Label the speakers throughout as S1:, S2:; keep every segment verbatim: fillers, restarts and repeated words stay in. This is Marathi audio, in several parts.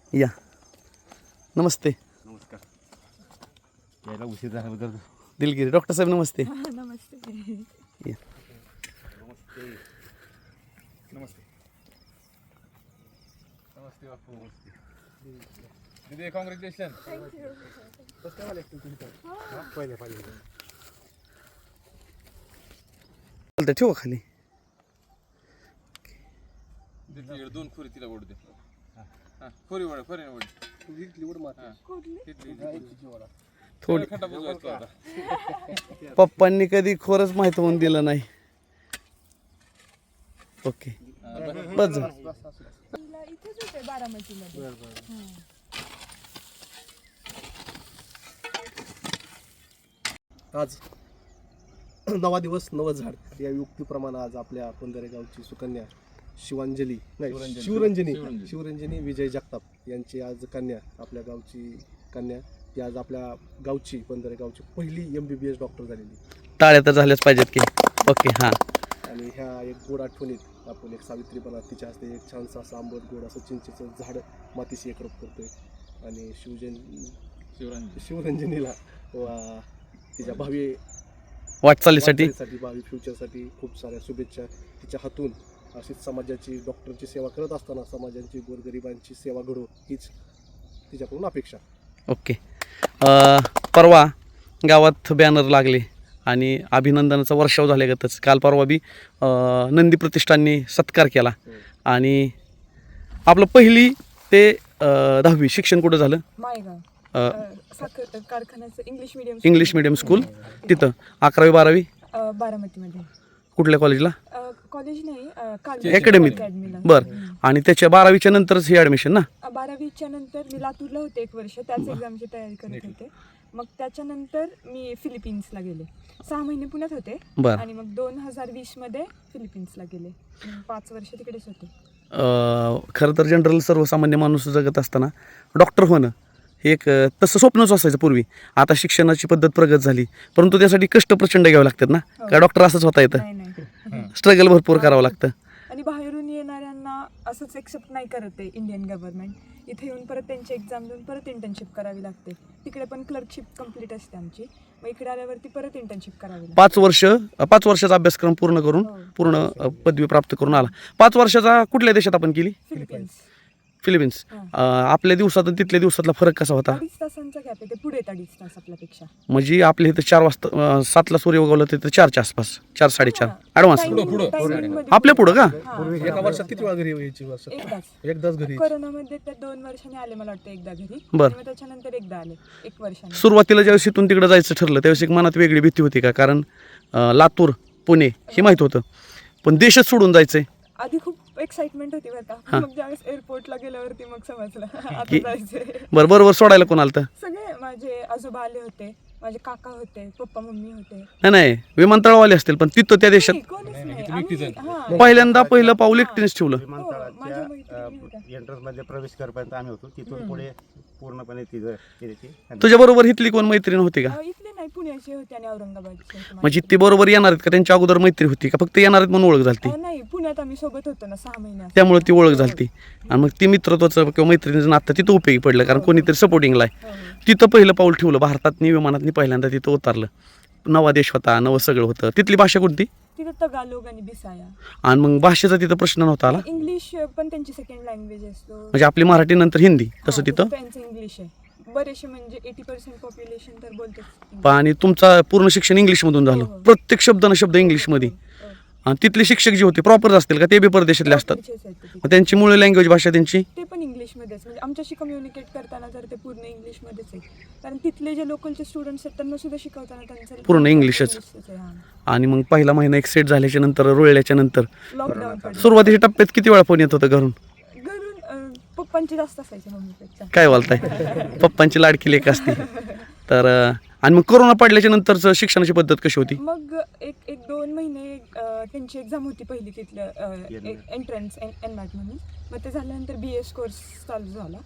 S1: या नमस्ते.
S2: नमस्कार. यायला उशीर झाल्याबद्दल
S1: दिलगिरी डॉक्टर साहेब नमस्ते.
S3: नमस्ते.
S1: या
S2: नमस्ते. नमस्ते. नमस्ते बापू. नमस्ते दीदी. कॉंग्रॅच्युलेशन. पहिले पाहिजे
S1: चालतं ठेवा खाली.
S4: दीदी दोन खोरी तिला ओढ दे. हां खोरी ओढ खोरी ओढ.
S1: थोडी
S4: खड्डा बुजवायचा होता.
S1: पप्पांनी कधी खोरच माहित होऊन दिलं नाही. ओके बस जा.
S3: तिला इथेच होते बारामतीमध्ये.
S5: आज नवा दिवस नवं झाड या युक्तीप्रमाणे आज आपल्या पंधरे गावची सुकन्या शिवांजली नाही शिवरंजनी शिवरंजनी विजय जगताप यांची आज कन्या आपल्या गावची कन्या ती आज आपल्या गावची पंधरे गावची पहिली M B B S doctor झालेली.
S1: टाळ्या तर झाल्याच पाहिजेत की. ओके हां.
S5: आणि ह्या एक गोड आठवणीत आपण एक सावित्रीपणा तिच्या हस्ते एक छानसं असं आंबट गोड असं चिंचेचं झाड मातीशी एकरूप करतोय. आणि शिवजन
S4: शिवरांजी
S5: शिवरंजनीला वा तिच्या भावी
S1: वाटचालीसाठी
S5: वाटचालीसाठी, भावी फ्युचरसाठी खूप साऱ्या शुभेच्छा. तिच्या हातून अशीच समाजाची डॉक्टरची सेवा करत असताना समाजाची गोरगरिबांची सेवा घडो हीच तिच्याकडून अपेक्षा.
S1: ओके. परवा गावात बॅनर लागले आणि अभिनंदनाचा वर्षाव झाल्यागतच काल परवा बी अं, नंदी प्रतिष्ठाननी सत्कार केला. आणि आपलं पहिली ते अं, दहावी शिक्षण कुठं झालं?
S3: मायगाव
S1: अं,
S3: साखर कारखान्याचं English medium.
S1: English medium school तिथं. अकरावी बारावी
S3: बारामतीमध्ये.
S1: कुठल्या कॉलेजला?
S3: कॉलेज नाही
S1: अकॅडमीत.
S3: अकॅडमीला.
S1: बरं. आणि त्याच्या बारावीच्या नंतरच हे ॲडमिशन ना?
S3: बारावीच्या नंतर मी लातूरला होते एक वर्ष, त्याच एक्झामची तयारी करत होते. मग त्याच्यानंतर मी फिलिपिन्सला गेले. सहा महिने पुण्यात होते
S1: बरं.
S3: आणि मग दोन हजार वीस मध्ये फिलिपिन्सला गेले. मग पाच वर्ष तिकडेच होते.
S1: अं, खरं तर जनरल सर्वसामान्य माणूस जगत असताना डॉक्टर होणं हे एक अं, तसं स्वप्नच असायचं पूर्वी. आता शिक्षणाची पद्धत प्रगत झाली परंतु त्यासाठी कष्ट प्रचंड घ्यावे लागतात ना. का डॉक्टर असंच होता येतं?
S3: नाही नाही.
S1: स्ट्रगल भरपूर करावं लागतं.
S3: आणि बाहेरून येणाऱ्यांना असंच एक्सेप्ट नाही करत आहे इंडियन गव्हर्नमेंट. इथे येऊन परत त्यांची एक्झाम देऊन परत इंटर्नशिप करावी लागते. तिकडे पण क्लर्कशिप कंप्लीट असते आमची. मग इकडे आल्यावरती परत इंटर्नशिप करावी लागते.
S1: पाच वर्ष पाच वर्षाचा अभ्यासक्रम पूर्ण करून
S3: हो.
S1: पूर्ण अ, पदवी प्राप्त करून आला. पाच वर्षाचा कुठल्या देशात आपण केली?
S3: फिलिपिन्स.
S1: फिलिपिन्स.
S3: हां.
S1: अ, आपल्या दिवसात आणि तिथल्या दिवसातला फरक कसा होता?
S3: अडीच तासांचा गॅप आहे. ते पुढे आहेत अडीच तास आपल्यापेक्षा.
S1: म्हणजे आपल्या इथं चार वाजता अ, सातला सूर्य उगवला तिथं चारच्या आसपास चार साडेचार
S3: हां.
S1: ॲडव्हान्स.
S3: Timing-
S4: पुढं,
S3: timing मध्ये
S1: आपल्या पुढं का?
S3: हां.
S5: एका वर्षात किती वेळा घरी यायची? वर्ष
S3: एकदाच.
S5: एकदाच घरी.
S3: कोरोनामध्ये त्या दोन वर्षांनी आले मला वाटतं एकदा घरी.
S1: बरं.
S3: आणि मग त्याच्यानंतर एकदा आले एक वर्षाने.
S1: सुरुवातीला ज्यावेळेस इथून तिकडे जायचं ठरलं त्यावेळेस एक मनात वेगळी भीती होती का? कारण अ, लातूर पुणे हे माहीत होतं पण देशच सोडून जायचंय.
S3: आधी खूप एक्साइटमेंट होती बरं का.
S1: हां.
S3: मग ज्यावेळेस एअरपोर्टला गेल्यावरती मग समजलं आता
S1: की-
S3: जायचंय.
S1: बरं बरोबर सोडायला कोण आलं?
S3: सगळे माझे आजोबा आले होते, माझे काका होते, पप्पा मम्मी होते.
S1: नाही नाही विमानतळावाले असतील पण तिथं त्या देशात
S3: नाही, कोणीच नाही. आम्ही- हां.
S1: पहिल्यांदा पहिलं पाऊल एकटीनेच ठेवलं.
S3: हो, माझ्या मैत्रिणी होत्या.
S2: एंट्रन्स मध्ये प्रवेश करपर्यंत आम्ही होतो. तिथून पुढे पूर्णपणे तिथं केली.
S1: तुझ्या बरोबर इथली कोण मैत्रीण होती का?
S3: अं, इथले नाही, पुण्याचे होते आणि औरंगाबादचे होते.
S1: म्हणजे ते बरोबर येणार आहेत का? त्यांच्या अगोदर मैत्री होती का? फक्त येणार आहेत म्हणून ओळख झाली?
S3: अं, नाही, पुण्यात आम्ही सोबत होतो ना सहा महिन्यात.
S1: त्यामुळे ती ओळख झाली. आणि मग ती मित्रत्वाचं किंवा मैत्रिणीचं नातं तिथं उपयोगी पडलं कारण कोणीतरी सपोर्टिंगला आहे.
S3: हो, हो.
S1: तिथं पहिलं पाऊल ठेवलं. भारतातनी विमानातनी पहिल्यांदा तिथं उतरलं. नवा देश होता, नवं सगळं होतं. तिथली भाषा कोणती?
S3: तिथं तगालोग आणि बिसाया.
S1: आणि मग भाषेचा तिथं प्रश्न नव्हता आला?
S3: इंग्लिश पण त्यांची सेकंड लँग्वेज असतो.
S1: म्हणजे आपली मराठी नंतर हिंदी तसं
S3: हां,
S1: तिथं?
S3: त्यांचं इंग्लिश आहे. बरेचसे म्हणजे एटी पर्सेंट पॉप्युलेशन तर बोलतेच.
S1: आणि तुमचं पूर्ण शिक्षण इंग्लिशमधून झालं?
S3: हो, हो.
S1: प्रत्येक शब्द न शब्द इंग्लिशमध्ये.
S3: हो, हो.
S1: आणि तिथले शिक्षक जे होते प्रॉपर असतील का? ते बी परदेशातले असतात?
S3: प्रॉपरचेच आहेत ते तिथे.
S1: मग त्यांची मूळ लँग्वेज भाषा त्यांची?
S3: ते पण इंग्लिशमध्येच. म्हणजे आमच्याशी कम्युनिकेट करताना तर ते पूर्ण इंग्लिशमध्येच आहे. कारण तिथले जे लोकलचे स्टुडंट्स आहेत त्यांना सुद्धा शिकवताना त्यांचं
S1: पूर्ण इंग्लिशच.
S3: इंग्लिशच आहे. हां.
S1: आणि मग पहिला महिना एक सेट झाल्याच्या नंतर रुळल्याच्या नंतर
S3: लॉकडाऊन पडलं.
S1: सुरुवातीच्या टप्प्यात किती वेळा फोन येत होतं घरून?
S3: घरून अं, पप्पांची जास्त असायची मम्मीपेक्षा.
S1: काय बोलताय? पप्पांची लाडकी लेक असते. तर अं, आणि मग कोरोना पडल्याच्या नंतरचं शिक्षणाची पद्धत कशी होती?
S3: मग एक एक दोन महिने अं, त्यांची एक्झाम होती पहिली तिथलं एंट्रन्स एन मॅट म्हणून. मग ते झाल्यानंतर बी एस कोर्स चालू झाला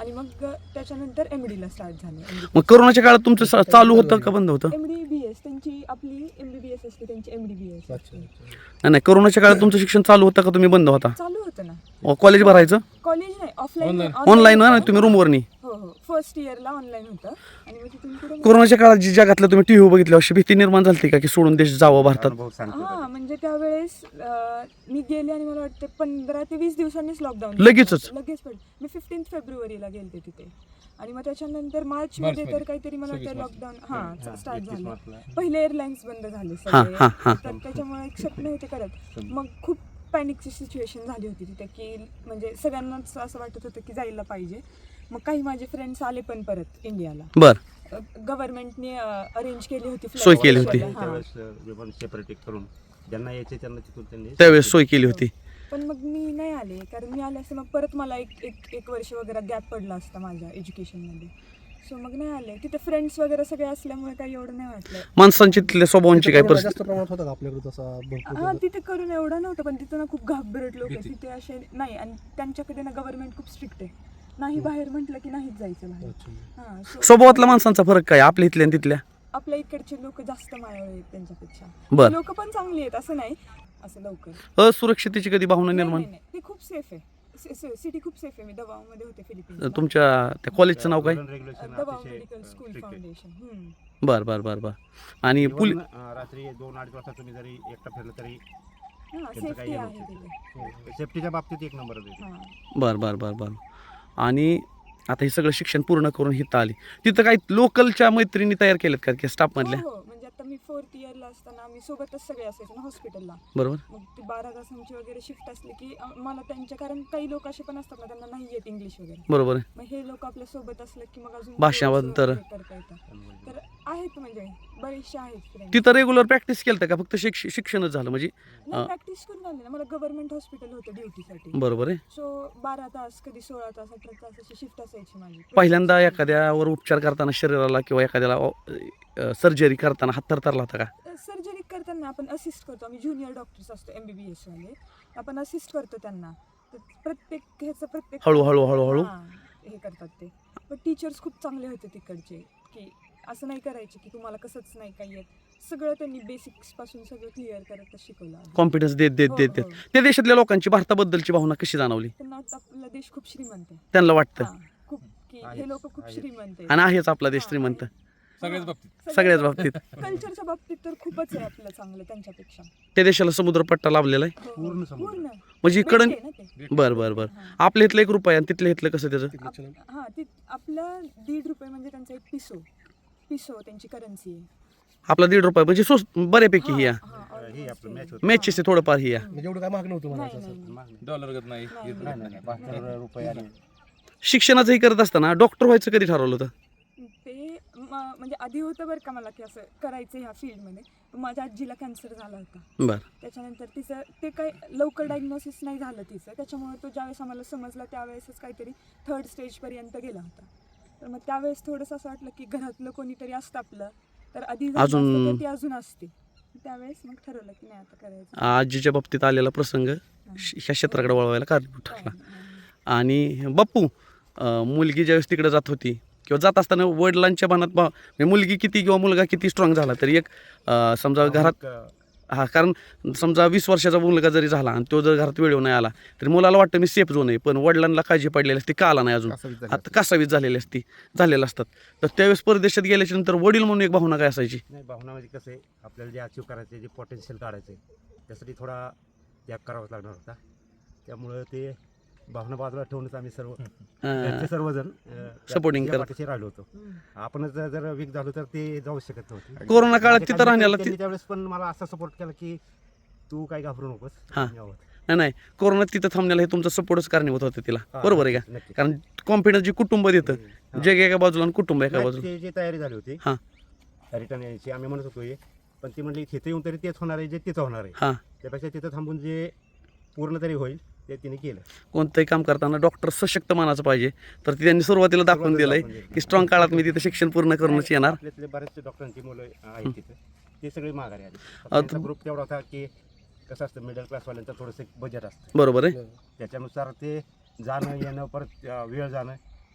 S3: आणि मग अ, त्याच्यानंतर एम डीला स्टार्ट झालं.
S1: मग कोरोनाच्या काळात तुमचं स- चालू होतं का बंद होतं?
S3: एम डी बी एस त्यांची आपली एम बी बी एस असते, त्यांची एम डी बी एस
S5: अच्छा अच्छा.
S1: नाही नाही, कोरोनाच्या काळात तुमचं शिक्षण चालू होतं का तुम्ही बंद होता?
S3: चालू होतं ना.
S1: अ, कॉलेज भरायचं
S3: कॉलेज नाही, ऑफलाईन
S1: ऑनलाईन ना तुम्ही रूमवर नाही?
S3: हो हो, फर्स्ट इयरला ऑनलाईन होतं आणि मग तिथून पुढे
S1: कोरोनाच्या काळात जी जगातलं तुम्ही टीव्ही बघितलं अशी भीती निर्माण झाली का की सोडून देश जावं भारतात?
S2: अनुभव सांगतो
S3: हा म्हणजे त्यावेळेस अं, मी गेले आणि मला वाटते पंधरा ते वीस दिवसांनीच लॉकडाऊन
S1: लगेचच?
S3: लगेच पड मी फिफ्टीन फेब्रुवारीला गेलते तिथे आणि मग त्याच्यानंतर मार्च मध्ये तर काहीतरी मला वाटतं लॉकडाऊन हा स्टार्ट झालं. पहिले एअरलाईन्स बंद झाले
S1: हा,
S3: सगळे,
S1: हा, हा.
S3: तर त्याच्यामुळे एक्सेप्ट नव्हते करत. मग खूप पॅनिकची सिच्युएशन झाली होती तिथे की म्हणजे सगळ्यांनाच असं वाटत होतं की जायला पाहिजे. मग काही माझे फ्रेंड्स आले पण परत इंडियाला.
S1: बर.
S3: गव्हर्नमेंटने अरेंज केली होती flight.
S1: सोय केली होती.
S3: हा.
S2: त्यावेळेस अ, विमान सेपरेट करून ज्यांना यायचे त्यांना तिथून त्यांनी
S1: त्यावेळेस सोय केली होती.
S3: पण मग मी नाही आले, कारण मी आले असते मग परत मला एक एक एक वर्ष वगैरे गॅप पडला असता माझ्या एज्युकेशनमध्ये. सो मग नाही आले. तिथे फ्रेंड्स वगैरे सगळे असल्यामुळे काही एवढं नाही वाटलं.
S1: माणसांची तिथल्या स्वभावांची काय
S5: कोरोना
S1: परिस्थिती?
S5: जास्त प्रमाणात होता का आपल्याकडे तसा भरपूर?
S3: हा तिथे करून एवढं नव्हतं, पण तिथं ना खूप घाबरट लोक आहेत तिथे असे नाही. आणि त्यांच्याकडे ना गव्हर्नमेंट खूप स्ट्रिक्ट आहे, नाही बाहेर म्हटलं की नाहीच जायचं बाहेर.
S5: अच्छा.
S3: हा so
S1: स्वभावातल्या माणसांचा फरक काय आपल्या इथल्या आणि तिथल्या?
S3: आपल्या इकडचे लोक जास्त मायाळू आहेत त्यांच्यापेक्षा.
S1: बर.
S3: लोक पण चांगली आहेत असं नाही, असं लवकर
S1: असुरक्षितेची कधी भावना
S3: नाही,
S1: निर्माण?
S3: नाही, नाही. ते खूप सेफ आहे. सिटी खूप सेफ आहे. मी दबावमध्ये होते फिलिपिन्स.
S1: तुमच्या त्या कॉलेजचं नाव काय?
S2: रेग्युलेशन
S3: दबाव
S2: अतिशय
S3: मेडिकल स्कूल
S2: strict आहे.
S3: फाउंडेशन.
S1: बर बर बर बर. आणि
S2: Even,
S1: पुल
S2: अ, रात्री दोन अडीच वाजता तुम्ही जरी एकटा फिरलं तरी
S3: हा
S2: त्यांचं
S3: सेफ्टी
S2: काही हे
S3: आहे
S2: नव्हतं.
S3: तिथे.
S2: सेफ्टीच्या बाबतीत एक नंबर आहे.
S3: हा.
S1: बर बर बर बर. आणि आता हे सगळं शिक्षण पूर्ण करून हिथं आली, तिथं काही लोकलच्या मैत्रिणी तयार केल्यात का की स्टाफ मधल्या?
S3: हो हो, म्हणजे आता मी फोर्थ इयरला असताना आम्ही सोबतच सगळे असायचो ना हॉस्पिटलला.
S1: बरोबर.
S3: मग ती बारा तासांची वगैरे शिफ्ट असली की अ, मला त्यांच्या, कारण काही लोक असे पण असतात ना त्यांना नाही येत इंग्लिश वगैरे,
S1: बरोबर आहे.
S3: मग हे लोक आपल्या सोबत असले की मग अजून
S1: भाषांतर.
S3: थोडंसं हे करता येतं. तर आहेत म्हणजे बरेचसे आहेत friends.
S1: तिथं रेग्युलर प्रॅक्टिस केलं का फक्त शिक्ष शिक्षणच झालं म्हणजे?
S3: नाही, प्रॅक्टिस करून आले ना. मला गव्हर्नमेंट हॉस्पिटल होतं ड्युटीसाठी.
S1: बरोबर आहे.
S3: सो बारा तास, कधी सोळा तास, अठरा तास अशी शिफ्ट असायची माझी.
S1: पहिल्यांदा एखाद्यावर उपचार करताना शरीराला किंवा एखाद्याला सर्जरी करताना हात थरथरला होता का?
S3: सर्जरी करताना आपण असिस्ट करतो. आम्ही ज्युनियर डॉक्टर्स असतो एम बी बी एस वाले, आपण असिस्ट करतो त्यांना. तर प्रत्येक ह्याचं प्रत्येक
S1: हळूहळू हळूहळू
S3: हां, हे करतात ते. पण टीचर्स खूप चांगले होते तिकडचे, की असं नाही करायचे की तुम्हाला कसंच नाही काही येत. सगळं त्यांनी बेसिक्स पासून सगळं क्लिअर करत शिकवलं आम्हाला.
S1: कॉन्फिडन्स देत देत
S3: हो,
S1: देत देत
S3: हो.
S1: त्या देशातल्या लोकांची भारताबद्दलची भावना कशी जाणवली?
S3: त्यांना आता आपला देश खूप श्रीमंत आहे.
S1: त्यांना वाटतं
S3: हां, खूप की हे लोक खूप श्रीमंत आहेत.
S1: आणि आहेच आपला देश श्रीमंत
S4: सगळ्याच बाबतीत.
S1: सगळ्याच बाबतीत.
S3: कल्चरच्या बाबतीत तर खूपच आहे आपलं चांगलं त्यांच्यापेक्षा.
S1: त्या देशाला समुद्रपट्टा लाभलेला आहे
S3: हो,
S2: पूर्ण समुद्र.
S3: पूर्ण
S1: म्हणजे इकडं.
S3: भेटते ना ते.
S1: बर बर बर.
S3: हां.
S1: आपल्या इथलं एक रुपये आणि तिथल्या इथलं कसं त्याचं?
S3: आप- हा ती आपला दीड रुपये म्हणजे त्यांचा एक पिसो पिसो त्यांची करन्सी आहे.
S1: आपला दीड रुपये म्हणजे स्वस्त बऱ्यापैकी ही
S3: हा, हा,
S2: हे
S3: almost
S2: आपलं
S3: आहे.
S2: match होतं.
S1: मॅचेस थोडंफार ही आहे.
S5: म्हणजे एवढं काय महाग नव्हतं
S3: नाही,
S5: म्हणायचं
S3: नाही,
S5: असं.
S3: नाही.
S2: मागणी.
S4: डॉलर गत नाही
S3: नाही,
S4: येत
S2: नाही
S4: नाही.
S2: नाही बहात्तर रुपये आणि
S1: शिक्षणाचंही करत असताना डॉक्टर व्हायचं कधी ठरवलं होतं?
S3: ते म- म्हणजे आधी होतं बरं का मला की असं करायचं ह्या फील्डमध्ये. पण माझ्या आजीला कॅन्सर झाला होता.
S1: बर.
S3: त्याच्यानंतर तिचं ते काय लवकर डायग्नोसिस नाही झालं तिचं, त्याच्यामुळे तो ज्यावेळेस आम्हाला समजला त्यावेळेसच काहीतरी थर्ड स्टेजपर्यंत गेला होता. तर मग त्यावेळेस थोडंसं असं वाटलं की घरातलं कोणीतरी असतं आपलं तर आधी झालं
S1: अजून-
S3: असतं तर ती अजून असते. त्यावेळेस मग ठरवलं की नाही आता करायचं.
S1: आजीच्या बाबतीत आलेला प्रसंग श- ह्या क्षेत्राकडे वळवायला कारणीभूत ठरला.
S3: हा.
S1: आणि बाप्पू, अं, मुलगी ज्यावेळेस तिकडे जात होती किंवा जात असताना वडिलांच्या मनात बा- म्हणजे मुलगी किती किंवा मुलगा किती स्ट्रॉंग झाला तरी एक अं, समजा घरात
S2: एक,
S1: हा, कारण समजा वीस वर्षाचा मुलगा जरी झाला आणि तो जर घरात वेळेवर नाही आला तरी मुलाला वाटतं मी सेफ झोन आहे, पण वडिलांना काळजी पडलेली असते का आला नाही अजून, आता कासावीस झालेली असती झालेल्या असतात. तर त्यावेळेस परदेशात गेल्याच्या नंतर वडील म्हणून एक भावना काय असायची?
S2: नाही भावना म्हणजे कसं आहे आपल्याला जे अचीव करायचं जे पोटेन्शियल काढायचं त्यासाठी थोडा त्याग करावाच लागणार होता. त्यामुळं ते भावना बाजूला ठेवूनच आम्ही सर्व घरचे सर्वजण अं,
S1: Supporting
S2: त्या
S1: करत.
S2: पाठीशी राहिलो होतो. आपणच जर जर वीक झालो तर ते जाऊ शकत नव्हते.
S1: कोरोना काळात
S2: माझ्या
S1: तिथं
S2: काही
S1: राहण्याला
S2: त्यांनी
S1: ति-
S2: त्यावेळेस पण मला असा सपोर्ट केला की तू काय घाबरू नकोस.
S1: हां.
S2: आम्ही आहोत.
S1: नाही नाही, कोरोनात तिथं थांबण्याला हे तुमचा सपोर्टच कारणीभूत होतं तिला,
S2: हां,
S1: बरोबर आहे का?
S2: नक्की.
S1: कारण कॉन्फिडन्स जे कुटुंब देतं,
S2: हां.
S1: जग एका बाजूला आणि कुटुंब एका
S2: नाही,
S1: बाजूला.
S2: ते जी तयारी झाली होती
S1: हां
S2: रिटर्न यायची आम्ही म्हणत होतो हे, पण ती म्हणली तिथे येऊन तरी तेच होणार आहे जे तिथं होणार आहे.
S1: हां.
S2: त्यापेक्षा तिथं थांबून जे पूर्ण तरी होईल ते तिने केलं.
S1: कोणतंही काम करताना डॉक्टर सशक्त मानाचं पाहिजे, तर ते त्यांनी सुरुवातीला दाखवून
S2: सुरुवातीला
S1: दिलंय
S2: दाखवून दिलं.
S1: की स्ट्रॉंग काळात मी तिथं शिक्षण पूर्ण करूनच येणार.
S2: आपल्यातले बरेचसे डॉक्टरांची मुलं आहेत तिथे ते सगळे माघारी आले.
S1: अ,
S2: त्यांचा
S1: तु-
S2: ग्रुप तेवढा होता की कसं असतं मिडल क्लासवाल्यांचं थोडंसं बजेट असतं
S1: बरोबर आहे.
S2: त्याच्यानुसार ते जाणं येणं परत अं, वेळ जाणं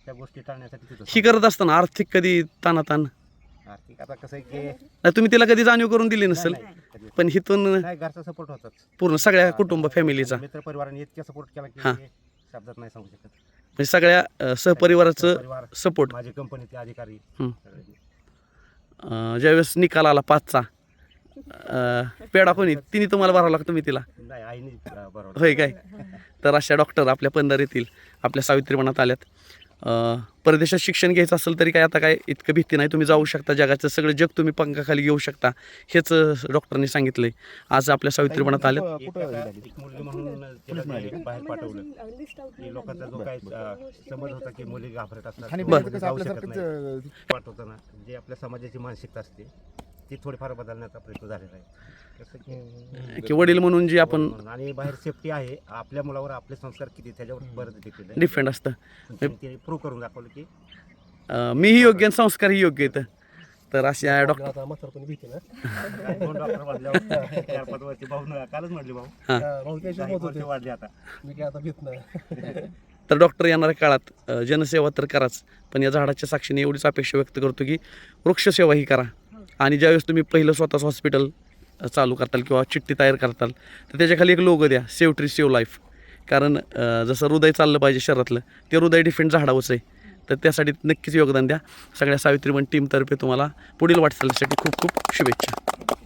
S2: त्या गोष्टी टाळण्यासाठी तिथं
S1: ही करत असताना आर्थिक कधी तानाताण
S2: आर्थिक आता कसं आहे की
S1: नाही, तुम्ही तिला कधी जाणीव करून दिली नसेल,
S2: नाही, नाही, कधी-
S1: पण हिथून
S2: नाही घरचा सपोर्ट होताच
S1: पूर्ण सगळ्या कुटुंब फॅमिलीचा
S2: मित्र परिवाराने इतक्या सपोर्ट केला
S1: हां.
S2: की शब्दात नाही सांगू शकत.
S1: म्हणजे सगळ्या अ, सहपरिवाराचं
S2: परिवार,
S1: सपोर्ट.
S2: माझे कंपनीचे अधिकारी
S1: हं.
S2: सगळे.
S1: ज्यावेळेस निकाल आला पाचचा अ, पेढा कोणी तिने तुम्हाला भरावा लागतो, मी तिला
S2: नाही आईने अं, बरोबर
S1: होय काय. तर अशा डॉक्टर आपल्या पंधर येथील आपल्या सावित्रीपणात आल्यात. अ, परदेशात शिक्षण घ्यायचं असेल तरी काय आता काय इतकं भीती नाही, तुम्ही जाऊ शकता, जगाचं सगळं जग तुम्ही पंखाखाली घेऊ शकता, हेच डॉक्टरांनी सांगितलंय. आज आपल्या सावित्रीपणात आल्यात.
S2: एक आता एक मुलगी म्हणून तिला जे बाहेर पाठवलं की लोकांचा जो काही अं, समज होता की मुली घाबरत असतात
S5: आणि
S2: किंवा
S5: बरं.
S2: जाऊ शकत नाही. पाठवताना जे आपल्या समाजाची मानसिकता असते ती थोडीफार बदलण्याचा प्रयत्न झालेला आहे. जसं की
S1: की वडील म्हणून जी आपण
S2: म्हणून. आणि बाहेर सेफ्टी आहे, आपल्या मुलावर आपले संस्कार किती त्याच्यावर बरंच देखील
S1: डिफेंड असतं.
S2: प्रूव्ह करून दाखवलं की
S1: अ, मीही योग्य आणि संस्कारही योग्य आहेत. तर अशा डॉक्टर
S5: आता म्हातारपणी भीती ना
S2: काय दोन डॉक्टर वाढल्यावर चार पाच वर्षी भाऊ न- कालच म्हटले भाऊ
S1: हां.
S5: भाऊ त्याशी
S2: दहा एक
S5: होत
S2: वर्ष
S5: होते
S2: वाढले आता.
S5: मी काय आता भीत नाही.
S1: तर डॉक्टर येणाऱ्या काळात अ, जनसेवा तर कराच, पण या झाडाच्या साक्षीने एवढीच अपेक्षा व्यक्त करतो की वृक्षसेवाही करा. आणि ज्यावेळेस तुम्ही पहिलं स्वतःच हॉस्पिटल चालू करताल किंवा चिठ्ठी तयार करताल तर त्याच्याखाली एक लोगो द्या, सेव्ह ट्री सेव्ह लाईफ. कारण अ, जसं हृदय चाललं पाहिजे शरीरातलं, ते हृदय डिफेंड झाडावंच आहे. तर त्यासाठी नक्कीच योगदान द्या. सगळ्या सावित्रीबन टीमतर्फे तुम्हाला पुढील वाटचालीसाठी खूप खूप शुभेच्छा.